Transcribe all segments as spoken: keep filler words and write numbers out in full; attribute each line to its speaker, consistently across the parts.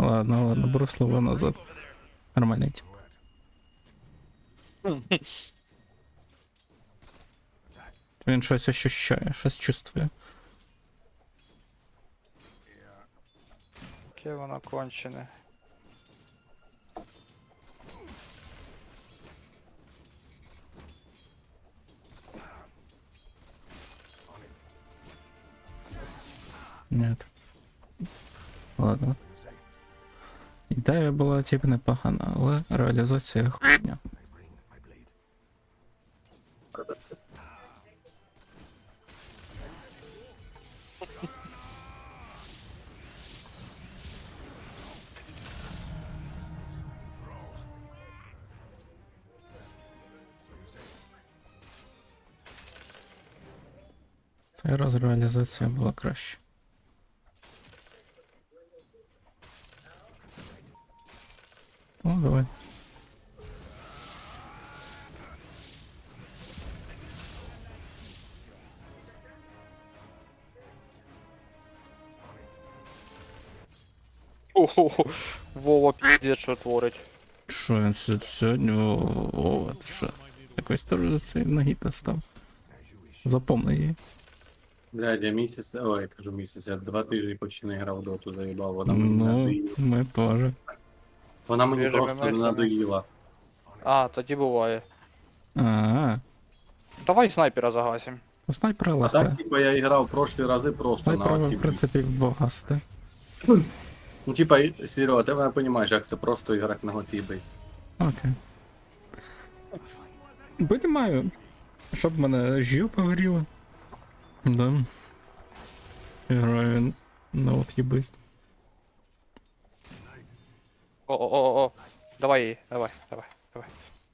Speaker 1: Ладно, ладно, беру слово назад. Нормальний тип. Він щось ощущає, щось чувствує.
Speaker 2: Яке воно кончене.
Speaker 1: Нет. Ладно. Ідея була типу непогана, але реалізація хуйня. Цей раз реалізація була краще. О, давай.
Speaker 2: Ого, Вова піздець, що творить.
Speaker 1: Що він сьо- сьогодні? О, о, ти що? З якоїсь теж за цієї ноги став. Запомни її.
Speaker 3: Блядь, я місяць, ой, я кажу місяць, я два тижні почти не грав в доту, заїбав, вона мені
Speaker 1: Ну,
Speaker 3: надоїла.
Speaker 1: ми теж.
Speaker 3: Вона мені
Speaker 2: Свіже
Speaker 3: просто не
Speaker 2: мемешка,
Speaker 3: надоїла.
Speaker 2: А, тоді буває.
Speaker 1: А,
Speaker 2: Давай снайпера загасим.
Speaker 1: снайпера
Speaker 3: А
Speaker 1: легко.
Speaker 3: так, типа, я грав в прошлі рази просто на
Speaker 1: Снайпера ви, в
Speaker 3: активі.
Speaker 1: принципі, вбагасите.
Speaker 3: Ну, типа, Серега, ти мене розумієш, як це просто іграти на готі бейс.
Speaker 1: Окей. Понимаю. Щоб мене жопа горіла. Да. Граю на от єбист.
Speaker 2: О-о-о-о. Давай її, давай, давай, давай.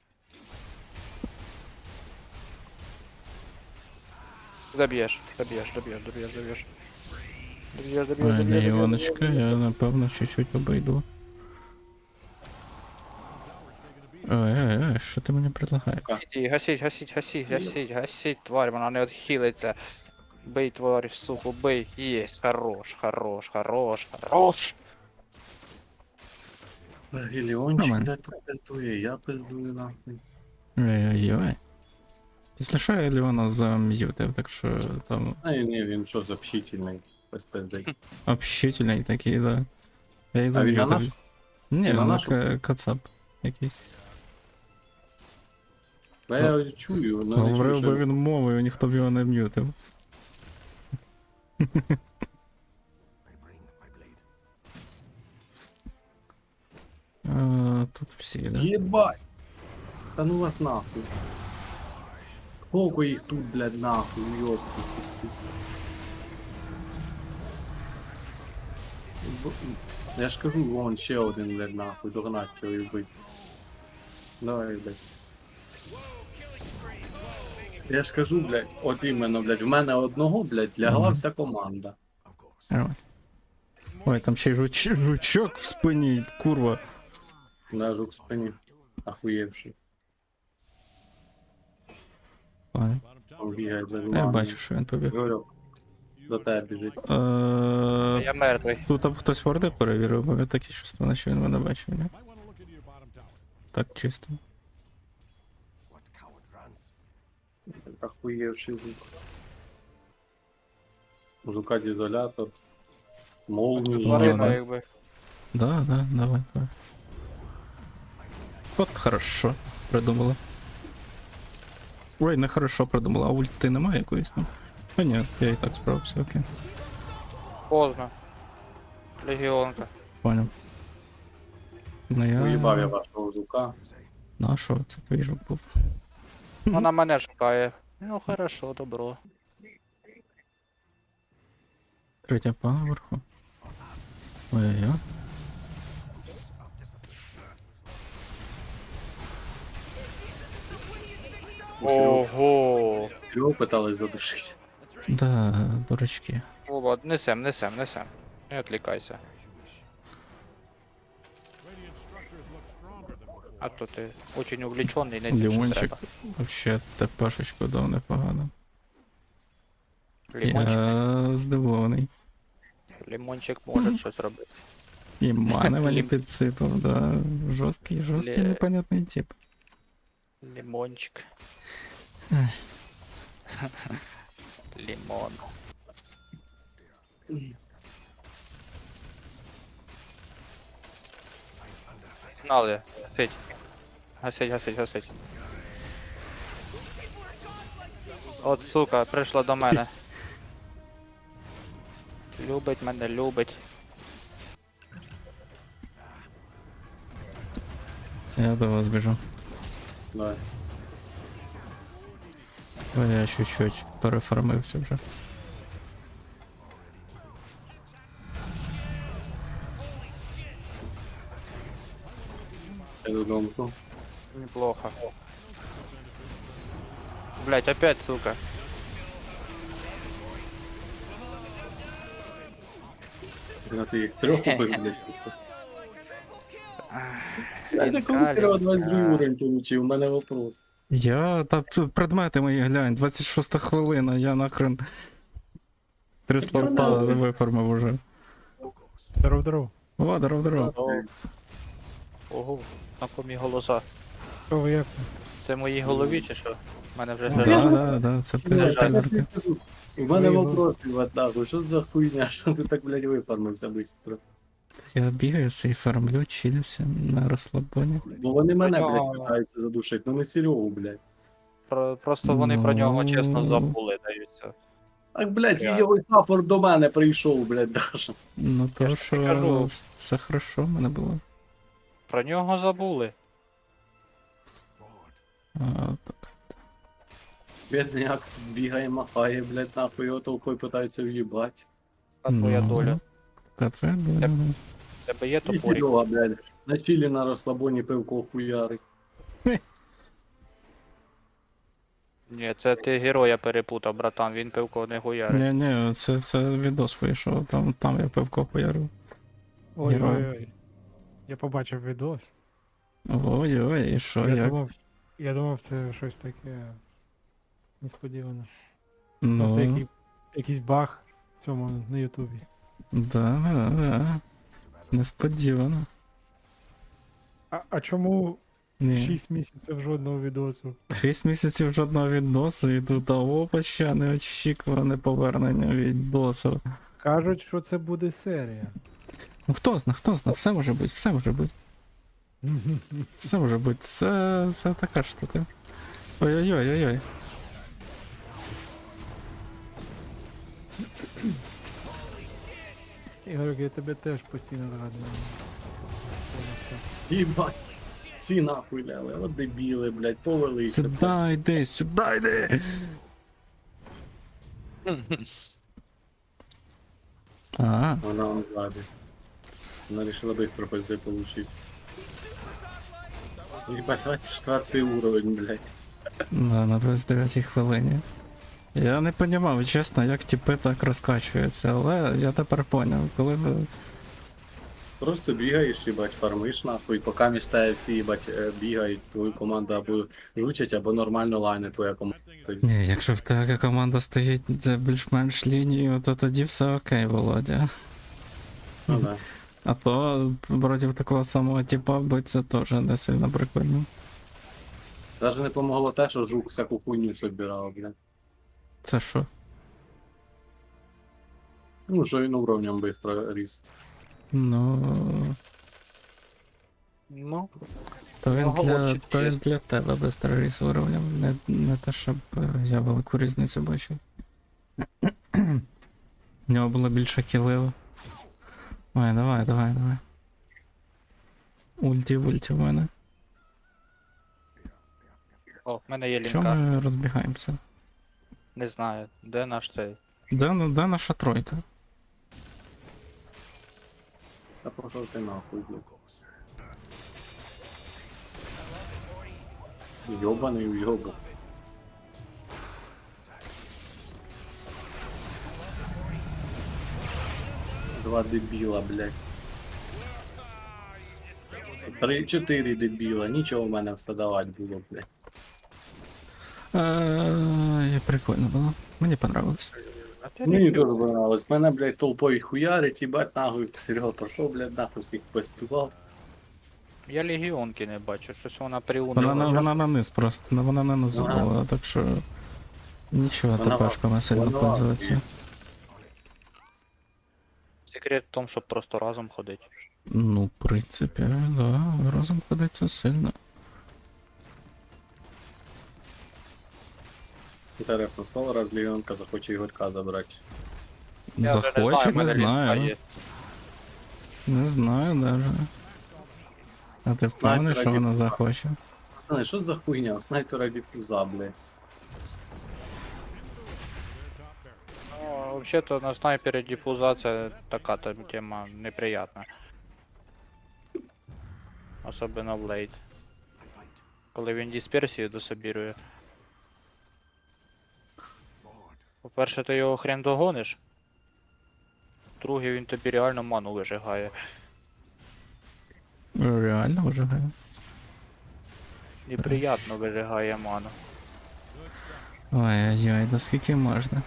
Speaker 2: Доб'єш, доб'єш, доб'єш, доб'єш, доб'єш. Доб'єш, доб'єш,
Speaker 1: Ой, не
Speaker 2: доб'єш,
Speaker 1: Іваночка, я напевно чуть-чуть обійду. Ой, ой, ой, що ти мені предлагаєш?
Speaker 2: Гасіть, гасіть, гасіть, гасіть, гасіть, гасіть, тварь, вона не відхилиться. Бий, тварь, суку, бий. Єсть, хорош, хорош, хорош, хорош.
Speaker 3: Геліончик,
Speaker 1: Нормально.
Speaker 3: блядь, тут пиздує, я пиздую нахуй.
Speaker 1: Ой-ой-ой. Якщо що, я Леона зам'ютив, так що там
Speaker 3: А ні, ні, він що, общительний, без пизди.
Speaker 1: общительний такий, да. Я і
Speaker 3: А він на наш?
Speaker 1: зам'ютив. Ні,
Speaker 3: на
Speaker 1: він
Speaker 3: нашу?
Speaker 1: ка- кацап якийсь.
Speaker 3: Бо я чую, ну не чую,
Speaker 1: Говорив би
Speaker 3: що...
Speaker 1: він мовою, ніхто б його не м'ютив. А, тут всі, да?
Speaker 3: Єбать! Та ну вас нахуй. Сколько їх тут, блядь, нахуй, ёпта, всі. Б- Я ж кажу, вон ще один, блядь, нахуй, догнать його і вбити. Давай, блядь. Я ж кажу, блядь, от іменно, блядь, в мене одного, блядь, лягла
Speaker 1: Мгм.
Speaker 3: вся команда.
Speaker 1: Нормально. Ой, там ще й жуч... жучок в спині, курва.
Speaker 3: На жук в спині. Охуєвший.
Speaker 1: Ладно.
Speaker 3: Он бігає без
Speaker 1: Я
Speaker 3: ладу.
Speaker 1: бачу, що він побіг.
Speaker 3: Говорю, до тебе біжить.
Speaker 1: Е,
Speaker 2: Я мертвий.
Speaker 1: Тут там хтось ворди перевірив, бо я таке чувство, наче він мене бачив, ні? Так чисто.
Speaker 3: Охуєвший жук. У жука дізолятор. Молнії.
Speaker 2: Тварина,
Speaker 1: Ладно.
Speaker 2: якби.
Speaker 1: Да, да, давай, давай. От хорошо придумала. Ой, не хорошо придумала, а ульти немає якоїсь там? А ні, я і так справився, окей.
Speaker 2: Поздно. Легіонка.
Speaker 1: Понял. Ну я...
Speaker 3: Уїбав я вашого жука.
Speaker 1: Ну а що, це твій жук був.
Speaker 2: Вона мене шукає. Ну хорошо, добро.
Speaker 1: Третя пана вверху. Ой-ой-ой.
Speaker 2: Ого.
Speaker 3: Його питались задушити.
Speaker 1: Да, дурачки.
Speaker 2: Вова, несем, несем, несем. Не відлікайся. А то ти очень увлечений, не те, що
Speaker 1: Лімончик
Speaker 2: треба.
Speaker 1: вообще тепешечку дав непогано.
Speaker 2: Лімончик,
Speaker 1: Я здивований.
Speaker 2: лімончик може щось робити.
Speaker 1: І мани мені
Speaker 2: Лім-
Speaker 1: підсипав, да. Жорсткий, жорсткий,
Speaker 2: Ле-
Speaker 1: непонятний тип.
Speaker 2: Лимончик.
Speaker 1: Ех.
Speaker 2: Лимон. Погнали. Гасить. Гасить, гасить, гасить. От сука, прийшла до мене. Любить мене, любить.
Speaker 1: Я до вас біжу.
Speaker 3: Давай.
Speaker 1: Бо я чуть-чуть переформився вже.
Speaker 3: Я додому.
Speaker 2: Неплохо. Блять, опять сука.
Speaker 3: Я ти їх трьох убив, блядь. Я
Speaker 2: Він
Speaker 3: не коли
Speaker 2: калік,
Speaker 3: сперва двадцять другий
Speaker 2: а.
Speaker 3: уровень получив, у мене вопрос.
Speaker 1: Я. Та п- предмети мої глянь, двадцять шоста хвилина, я нахрен. Три слота виформив уже.
Speaker 4: Здоров, здоров.
Speaker 1: О, здоров, здоров.
Speaker 2: О. Ого, знакомі голоса.
Speaker 4: Що ви як?
Speaker 2: Це в моїй голові чи що? У мене вже
Speaker 4: Ну,
Speaker 1: Да,
Speaker 2: жарко.
Speaker 1: да, да, це
Speaker 3: Блядь, я
Speaker 1: перевірка.
Speaker 3: тобі кажу, У мене
Speaker 4: Ви-
Speaker 3: вопрос, Іван, нахуй, що за хуйня, що ти так, блядь, виформився быстро?
Speaker 1: Я бігаю і фармлю, чилюся на розслабоні.
Speaker 3: Бо вони мене,
Speaker 2: Нього-
Speaker 3: блядь, питаються задушити, ну не Серегу, блядь.
Speaker 2: Про, просто вони про нього чесно
Speaker 1: Ну.
Speaker 2: забули, даються.
Speaker 3: Так, блядь,
Speaker 2: Реально.
Speaker 3: його сафор до мене прийшов, блядь, даже.
Speaker 1: Ну
Speaker 2: Я
Speaker 1: то
Speaker 2: ж тобі кажу.
Speaker 1: що все хорошо в мене було.
Speaker 2: Про нього забули.
Speaker 1: А, так.
Speaker 3: Бідний Акс бігає, махає, блядь, нахуй, його толпою питаються в'їбать.
Speaker 2: А твоя
Speaker 1: Ну,
Speaker 2: доля.
Speaker 1: Така твоя доля.
Speaker 2: Як-
Speaker 1: ну.
Speaker 2: В тебе є
Speaker 3: І
Speaker 2: топорик?
Speaker 3: Серега, блядь, на чилі на розслабоні пивко хуярить.
Speaker 2: Ні, це ти героя перепутав, братан, він пивко не гуярить.
Speaker 1: Ні, ні, це, це відос вийшов, там, там я пивко поярив.
Speaker 4: Ой,
Speaker 1: Герой.
Speaker 4: ой, ой. Я побачив відос.
Speaker 1: Ой-ой, і що,
Speaker 4: Я
Speaker 1: як?
Speaker 4: думав, я думав, це щось таке несподіване. Ну, це
Speaker 1: Ну,
Speaker 4: який, якийсь баг в цьому на Ютубі.
Speaker 1: да, да, да. Несподівано.
Speaker 4: А, а чому
Speaker 1: Ні.
Speaker 4: шість місяців жодного відосу?
Speaker 1: Шість місяців жодного відносу і тут опача неочікуване повернення відносу.
Speaker 4: Кажуть, що це буде серія.
Speaker 1: Ну хто зна, хто зна, все може бути, все може бути. Все може бути, це, це така штука. Ой-ой-ой-ой-ой.
Speaker 4: Ігор, я тебе теж постійно згадую.
Speaker 3: Їбать. Всі нахуй ляли, от дебіли, блядь, повелися. блядь.
Speaker 1: Сюди йди, сюди йди. А,
Speaker 3: Вона он ззаді. Вона вирішила быстро пизди получить. Ебать, двадцять четвертий уровень, блядь.
Speaker 1: да, на двадцять дев'ятій хвилині. Я не розумів, чесно, як тіпи так розкачуються, але я тепер поняв, коли ви.
Speaker 3: Просто бігаєш, їбать, фармиш нахуй, поки містає всі, їбать, е, бігають, твою команду або жучать, або нормально лайне твоя команда. Тобто,
Speaker 1: Ні, якщо в тебе команда стоїть за більш-менш лінію, то тоді все окей, Володя.
Speaker 3: ну, да.
Speaker 1: А то проти такого самого типа биться теж не сильно прикольно.
Speaker 3: Даже не помогло те, що жук всяку хуйню собирав, блядь.
Speaker 1: Це що?
Speaker 3: Ну, що він уровнем быстро ріс.
Speaker 1: Ну.
Speaker 2: Ну,
Speaker 1: То він для,
Speaker 2: Оговорчик
Speaker 1: то він
Speaker 2: є.
Speaker 1: для тебе без тероріс уровнем, не, не те, щоб е, я велику різницю бачив. У нього було більше кілів. Ой, давай, давай, давай. Ульті, ульті в мене.
Speaker 2: о, в мене є
Speaker 1: Чому
Speaker 2: лінка.
Speaker 1: ми розбігаємося?
Speaker 2: Не знаю, де наш цей.
Speaker 1: Де, на- де наша тройка?
Speaker 3: Та пошов ти нахуй, блядь. Йобаний уйобок. Два дебіла, блядь. Три-чотири дебіла, нічого в мене все давати було, блядь.
Speaker 1: Е, Прикольно було. Мені понравилось.
Speaker 2: А ти
Speaker 3: Мені
Speaker 2: рефюз.
Speaker 3: дуже понравилось. Мене, блядь, толпою хуярить, їбать, нахуй. Серега пройшов, блядь, нахуй всіх пестував.
Speaker 2: Я легіонки не бачу, щось вона приунила.
Speaker 1: Вона, на,
Speaker 2: Чого ж-
Speaker 1: вона на низ просто, ну, вона не на зуб
Speaker 3: Ага.
Speaker 1: була, так що нічого,
Speaker 3: Вона-
Speaker 1: ТПшками сильно
Speaker 3: вона-
Speaker 1: пользується.
Speaker 2: Секрет в тому, щоб просто разом ходити.
Speaker 1: Ну, в принципі, да, разом ходиться сильно.
Speaker 3: Інтересно, скоро раз Лівіонка захоче Ігорка забрати.
Speaker 2: Я вже
Speaker 1: Захоче,
Speaker 2: в мене
Speaker 1: не
Speaker 2: лінка
Speaker 1: знаю.
Speaker 2: є.
Speaker 1: Не знаю даже. А ти впевнений, що
Speaker 3: раді
Speaker 1: вона
Speaker 3: Бога.
Speaker 1: захоче?
Speaker 3: Пацани, що за хуйня? Снайпера дифуза, блядь.
Speaker 2: Ну, вообще-то на снайпере диффузация така там тема неприятна. Особенно в лейт. Коли він дисперсію дособірує. По-перше, ти його хрен догониш. Друге, він тобі реально ману вижигає.
Speaker 1: Реально вижигає.
Speaker 2: Неприятно вижигає ману.
Speaker 1: Ой-ой-ой, да скільки можна?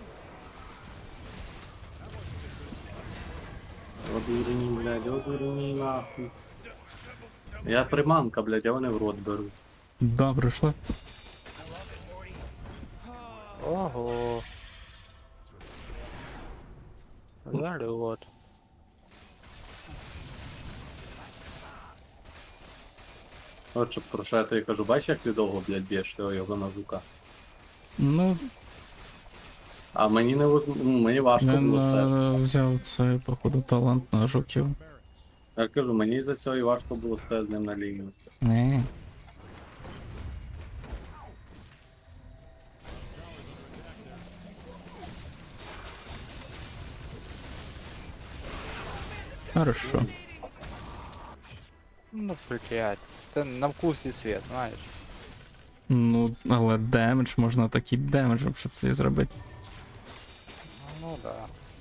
Speaker 3: Одурені, блядь, одурені нахуй. Я приманка, блядь, а вони в рот беруть.
Speaker 1: Да, пройшло.
Speaker 2: Ого. Залет.
Speaker 3: От щоб про що я тобі кажу, бачиш, як ти довго, блядь, б'єш цього його на жука.
Speaker 1: Ну,
Speaker 3: А мені не воз- ну, мені важко
Speaker 1: він
Speaker 3: було стати.
Speaker 1: е, взяв цей, походу, талант на жуків.
Speaker 3: Я кажу, мені за цього і важко було стати з ним на лінію.
Speaker 1: Не. Хорошо.
Speaker 2: Ну, блядь. Це на вкус і світ, знаєш.
Speaker 1: Ну, але демедж, можна такий демедж, щоб це зробити.
Speaker 2: Ну да.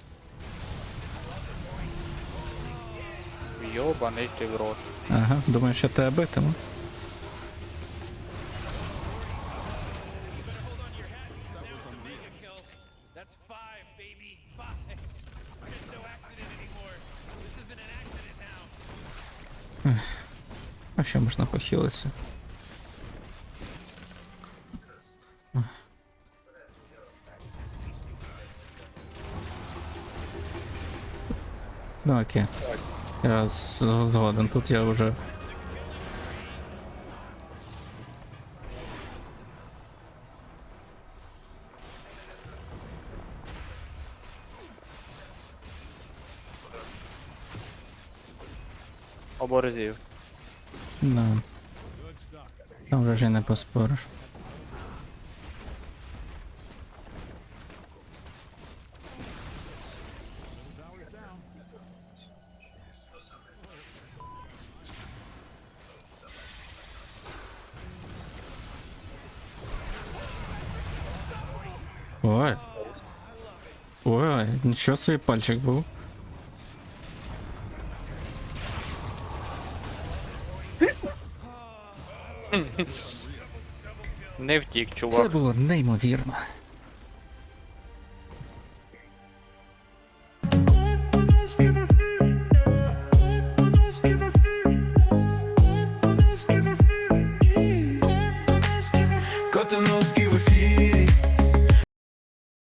Speaker 2: Йобаний ти в рот.
Speaker 1: Ага, думаєш, я тебе битиму?
Speaker 5: That's five, baby. Five. There's no accident anymore. This isn't an accident now.
Speaker 1: А що можна похилитися? Ну окей. Я з- згоден, тут я вже.
Speaker 2: Оборзів.
Speaker 1: Да. Там вже ж і не поспориш. Ой. Ой, нічого собі пальчик був.
Speaker 2: Не втік, чувак.
Speaker 1: Це було неймовірно.
Speaker 5: Got the nose